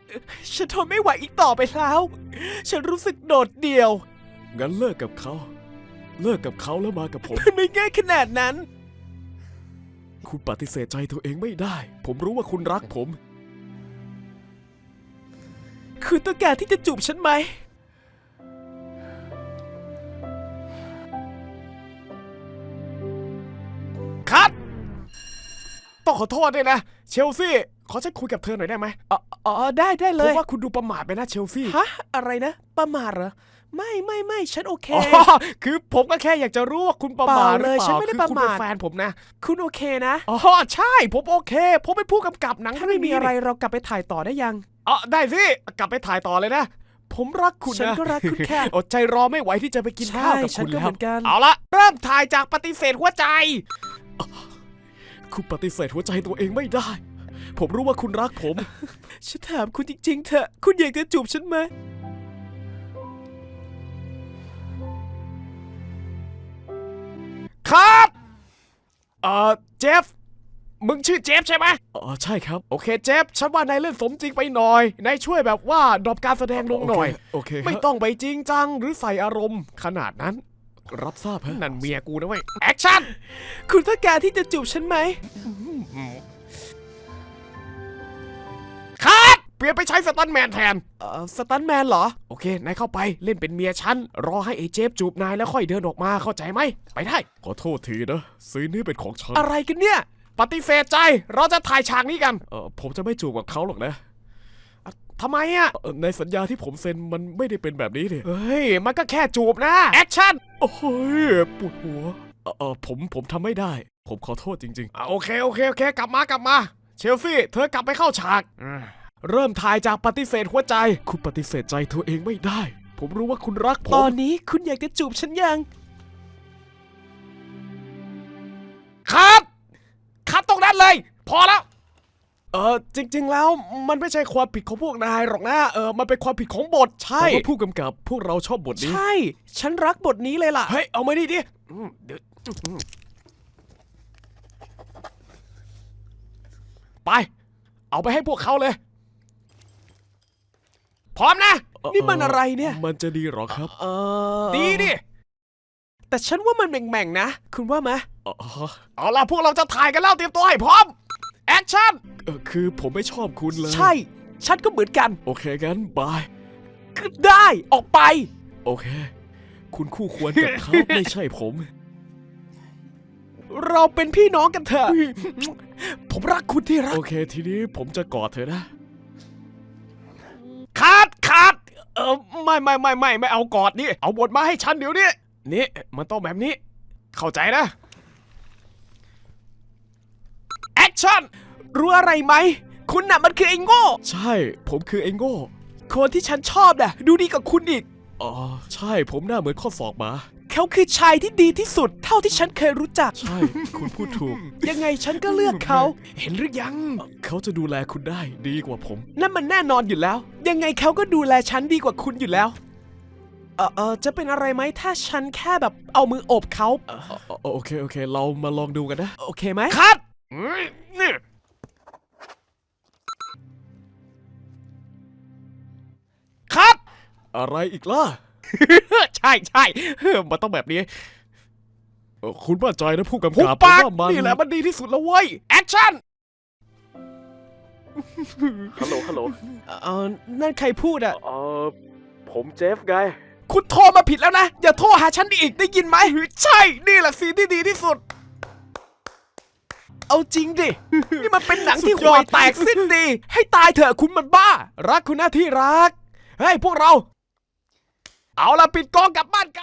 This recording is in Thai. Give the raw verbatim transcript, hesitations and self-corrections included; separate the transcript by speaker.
Speaker 1: ฉันทนไม่ไหวอีกต่อไปแล้วฉันรู้สึกโดดเดี่ยว
Speaker 2: งั้นเลิกกับเขาเลิกกับเขาแล้วมากับผม
Speaker 1: มันไม่ง่ายขนาดนั้น
Speaker 2: คุณปฏิเสธใจตัวเองไม่ได้ผมรู้ว่าคุณรักผม
Speaker 1: คุณต้องการที่จะจูบฉันไหม
Speaker 2: คัดต้องขอโทษด้วยนะเชลซี่ขอฉันคุยกับเธอหน่อยได้ไหม
Speaker 1: อ๋ออ๋อได้ได้เล
Speaker 2: ผม
Speaker 1: ย
Speaker 2: ว่าคุณดูประมาทไปนะเชลซี่
Speaker 1: ฮะอะไรนะประมาทเหรอไม่ไม่ไม่ฉันโอเค
Speaker 2: อ๋อคือผมก็แค่อยากจะรู้ว่าคุณประมาทหรือเป
Speaker 1: เปล่าเลยฉัน
Speaker 2: ล่า
Speaker 1: ไม่ได้
Speaker 2: คือคุณ
Speaker 1: ประมาท
Speaker 2: เป็นแฟนผมนะ
Speaker 1: คุณโอเคนะ
Speaker 2: อ๋อใช่ผมโอเคผมเป็นผู้กำกับหนัง
Speaker 1: ถ้า
Speaker 2: เรื่
Speaker 1: ไม่
Speaker 2: อง
Speaker 1: มี
Speaker 2: นี้
Speaker 1: อะไร
Speaker 2: นี่
Speaker 1: เรากลับไปถ่ายต่อได้ยัง
Speaker 2: อ๋อได้สิกลับไปถ่ายต่อเลยนะ ผมรักคุณนะ
Speaker 1: ฉันก็รักคุณค่ะ
Speaker 2: อดใจรอไม่ไหวที่จะไปกินข้าวกับ
Speaker 1: ใช่ฉั
Speaker 2: คุ
Speaker 1: น
Speaker 2: ณ
Speaker 1: ก็
Speaker 2: แล้
Speaker 1: เห
Speaker 2: ว
Speaker 1: มือนกัน
Speaker 2: เอาละเริ่มถ่ายจากปฏิเสธหัวใจ คุณปฏิเสธหัวใจตัวเองไม่ได้ ผมรู้ว่าคุณรักผม
Speaker 1: ฉันถามคุณจริงๆเถอะคุณอยากจะจูบฉันไหม
Speaker 2: ครับเอ่อเจฟมึงชื่อเจฟใช่ไหมอ๋อใช่ครับโอเคเจฟฉันว่านายเล่นสมจริงไปหน่อยนายช่วยแบบว่าดรอปการแสดงลงหน่อยโอเคไม่ต้องไปจริงจังหรือใส่อารมณ์ขนาดนั้นรับทราบฮะนั่นเมียกูนะเว้ยแอคชั่น
Speaker 1: คุณต้องการที่จะจูบฉันไหม
Speaker 2: คัดเปลี่ยนไปใช้สตันแมนแทน
Speaker 1: เอ่อสตันแมนเหรอ
Speaker 2: โอเคนายเข้าไปเล่นเป็นเมียฉันรอให้ไอ้เจฟจูบนายแล้วค่อยเดินออกมาเข้าใจไหมไปได้ขอโทษทีนะซีนนี้เป็นของฉัน
Speaker 1: อะไรกันเนี่ย
Speaker 2: ปฏิเสธใจเราจะถ่ายฉากนี้กันเออผมจะไม่จูบกับเขาหรอกนะอ่ะทำไมอ่ะเอ่อในสัญญาที่ผมเซ็นมันไม่ได้เป็นแบบนี้นี่เฮ้ยมันก็แค่จูบนะแอคชั่นโอ้ยปวดหัวเออเออผมผมทำไม่ได้ ผมขอโทษจริงๆอ่ะโอเคโอเคโอเคกลับมากลับมาเชลฟี่เธอกลับไปเข้าฉากอืมเริ่มถ่ายจากปฏิเสธหัวใจ คุณปฏิเสธใจตัวเองไม่ได้ ผมรู้ว่าคุณรักผ
Speaker 1: ตอ
Speaker 2: ม
Speaker 1: นนี้คุณอยากจะจูบฉันยัง
Speaker 2: คัดคัดตรงนั้นเลย พอแล้ว เออจริง ๆ แล้วมันไม่ใช่ความผิดของพวกนายหรอกนะเออมันเป็นความผิดของบทใช่แต่ว่าผู้กำกับพวกเราชอบบทนี้
Speaker 1: ใช่ ฉันรักบทนี้เลยล่ะ
Speaker 2: เฮ้ยเอามานี่ดิอืมเดี๋ยวอืมไป เอาไปให้พวกเขาเลย พร้อมนะ
Speaker 1: นี่มันอะไรเนี่ย
Speaker 2: มันจะดีหรอครับ
Speaker 1: เออ
Speaker 2: ดีดิ
Speaker 1: แต่ฉันว่ามันแหม่งๆนะ คุณว่าไหม
Speaker 2: อ๋อเอาล่ะพวกเราจะถ่ายกันแล้วเตรียมตัวให้พร้อม แอคชั่นเออคือผมไม่ชอบคุณเลย
Speaker 1: ใช่ ฉันก็เหมือนกัน
Speaker 2: โอเคงั้นบาย
Speaker 1: ก็ได้ออกไป
Speaker 2: โอเค คุณคู่ควรกับเขา ไม่ใช่ผม
Speaker 1: เราเป็นพี่น้องกันเถอะ ผมรักคุณที่รัก
Speaker 2: โอเคทีนี้ผมจะกอดเธอนะคัดคัดเออไม่ไม่ไม่ไม่ไม่เอากอดนี่เอาบทมาให้ฉันเดี๋ยวนี้นี่มันต้องแบบนี้ เข้าใจนะแอคชั่น
Speaker 1: รู้อะไรไหม คุณน่ะมันคือไอ้โง่
Speaker 2: ใช่ ผมคือไอ้โง่
Speaker 1: คนที่ฉันชอบน่ะดูดีกว่าคุณอีก
Speaker 2: อ๋อใช่ผมหน้าเหมือนข้อศอกหมา
Speaker 1: เขาคือชายที่ดีที่สุด เท่าที่ฉันเคยรู้จัก
Speaker 2: ใช่ คุณพูดถูก
Speaker 1: ยังไงฉันก็เลือกเขา
Speaker 2: เห็นหรือยัง เขาจะดูแลคุณได้ดีกว่าผม
Speaker 1: นั่นมันแน่นอนอยู่แล้ว ยังไงเขาก็ดูแลฉันดีกว่าคุณอยู่แล้ว เออเออจะเป็นอะไรไหมถ้าฉันแค่แบบเอามือโอบเขาเอ่อ
Speaker 2: อ๋อโอเคโอเค เรามาลองดูกันนะ
Speaker 1: โอเคไหม
Speaker 2: คัดนี่คัดอะไรอีกล่ะ ใช่ใช่มันต้องแบบนี้เอ่อคุณมั่นใจนะผู้กำ
Speaker 1: หุบ
Speaker 2: กับ
Speaker 1: ปาก
Speaker 2: ว่ามัน
Speaker 1: นี่แหละมันดีที่สุดแล้วเว้ย
Speaker 2: แอคชั่น ฮัลโหล ฮัลโหล
Speaker 1: เออนั่นใครพูดอะ
Speaker 2: เออผมเจฟไง
Speaker 1: คุณโทรมาผิดแล้วนะ อย่าโทรหาฉันอีกได้ยินไหม
Speaker 2: ใช่ นี่แหละซีนที่ดีที่สุด
Speaker 1: เอาจริงดิ นี่มันเป็นหนังที่
Speaker 2: สุดย
Speaker 1: ห่
Speaker 2: อ
Speaker 1: ว
Speaker 2: ด
Speaker 1: ยแตกสิ้นดี ให้ตายเถอะคุณมันบ้า
Speaker 2: รักคุณหน้าที่รัก เฮ้ย พวกเรา เอาละปิดกล้องกลับบ้านกัน